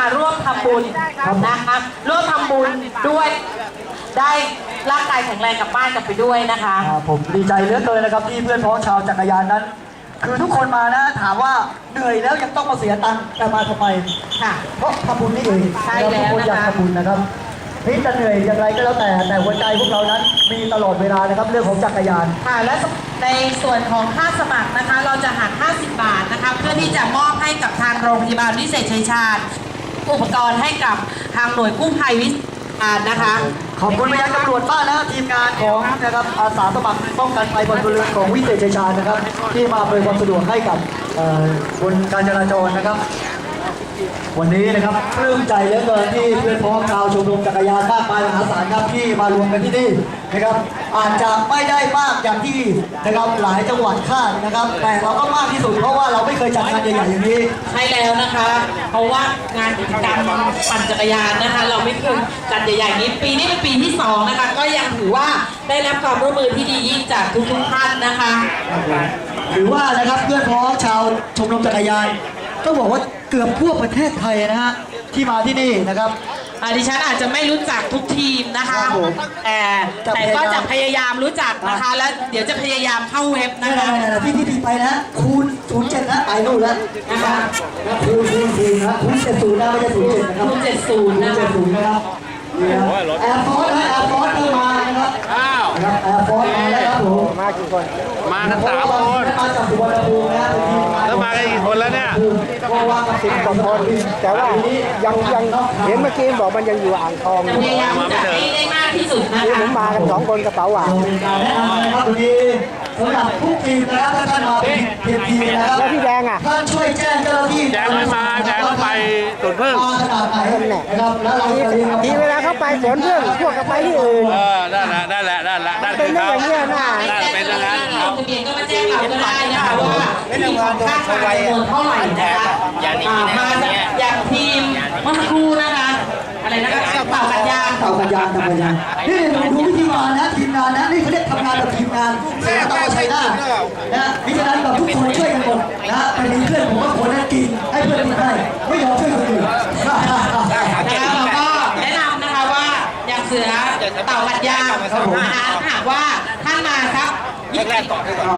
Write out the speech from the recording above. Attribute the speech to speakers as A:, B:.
A: มาร่วมทำบุญนะคะร่วมทำบุญด้วยได้ร่างกายแข็งแรงกลับบ้านกลับไปด้วยนะคะ
B: ผมดีใจเหลือเกินนะครับที่เพื่อนพ้องชาวจักรยานนั้น คือทุกคนมานะถามว่าเหนื่อยแล้วยังต้องมาเสียตังค์แต่มาทำไม
A: ค่ะ
B: เพราะทำบุญนี่เอง
A: ใช่แล้ว
B: ทุกคนอยากทำบุญนะครับนี่จะเหนื่อยอย่างไรก็แล้วแต่หัวใจพวกเรานั้นมีตลอดเวลานะครับเรื่องของจักรยาน
A: ค่ะและในส่วนของค่าสมัครนะคะเราจะหัก50 บาทนะคะเพื่อที่จะมอบให้กับทางโรงพยาบาลวิเศษชัยชาญอุปกรณ์ให้กับทางหน่วยกู้ภัยวิเศษนะคะ
B: ขอบคุณไปยังตำรวจบ้านและทีมงานของนะครับอาสาสมัครป้องกันภัยบนเรือของวิเศษชัยชาญนะครับที่มาอำนวยความสะดวกให้กับบนการจราจรนะครับวันนี้นะครับปลื้มใจเหลือเกินที่เพื่อนพ้องชาวชมรมจักรยานมากมายมหาศาลครับที่มารวมกันที่นี่นะครับอาจจะไม่ได้มากอย่างที่นะครับหลายจังหวัดคาดนะครับแต่เราก็มากที่สุดเพราะว่าเราไม่เคยจัดงานใหญ่ๆอย่างนี้
A: ใช่แล้วนะคะเพราะว่างานกิจกรรมปั่นจักรยานนะคะเราไม่เคยจัดใหญ่ๆนี้ปีนี้เป็นปีที่2นะคะก็ยังถือว่าได้รับความร่วมมือที่ดียิ่งจากทุกท่านนะคะ
B: ถือว่านะครับเพื่อนพ้องชาวชมรมจักรยานต้องบอกว่าเกือบทั่วประเทศไทยนะฮะที่มาที่นี่นะครับ
A: ดิฉันอาจจะไม่รู้จักทุกทีมนะคะแต่ก็จะพยายามรู้จักนะคะแล้วเดี๋ยวจะพยายามเข้าเว็บนะคะ
B: ที่ไปนะคูณ07นะไปนู่นแล้วนะคะคูณนะคูณ70นะไม่ใช่07นะครับ
A: คูณ70นะคะ
B: นะครับแอร์ฟอร์สนะแอร์ฟอร์สเข้ามานะครับนะครับแอร์ฟอร์สมาแล้วครับผม
C: มากี่คนมากัน3 คน
B: มาจากสุวรรณภูมินะ
C: แล้วมากันกี่คนแล้วเนี่ย
B: 10 กว่าคน
D: แต่ว่ายังเห็นเมื่อกี้บอกมันยังอยู่อ่างทอง
A: พยายามจะให้ได้มากที่สุดนะคะ
D: ผมมากัน2 คนกระเป๋าหวาน
B: การแนะนำนะครับวันนี้สำหรับทุกทีมนะครับท่านมาเป็นทีมนะครับ
D: แล้วพี่แดงอ่ะ
B: ท่านช่วยแจ้งเจ้าหน้าที่
C: แดงไม่มาแดงไปสวนพึ่ง
B: ขนาดไหนนะครับแล้วเรา
D: ทีเวลาเข้าไปสวนพึ่งพวกก็ไปที่อื่น
C: ได้
D: เป็นอย่างนี้นะ
C: เป็นอย่างนั้น
A: ทะเบียนก็มาแจ้งเราก็ได้นะคะว่าทีมของค่าจำนวนเท่าไหร่นะคะมาอย่างทีมเมื่อสักครู่นะคะอะไรนะคะเต่ากัญญา
B: นี่ดูวิธีการนะทีมงานนะนี่เขาเรียกทำงานแบบทีมงานเสียต้องใช้ได้นะมิฉะนั้นแบบทุกคนช่วยกันหมดนะไปมีเพื่อนผมว่าคนนั้นกินให้เพื่อนกินได้ไม่ยอมช่วยคนอื่น
A: แล้วก็แนะนำนะคะว่าอย่างเสือเต่ากัญญาหากว่าท่านมาครับ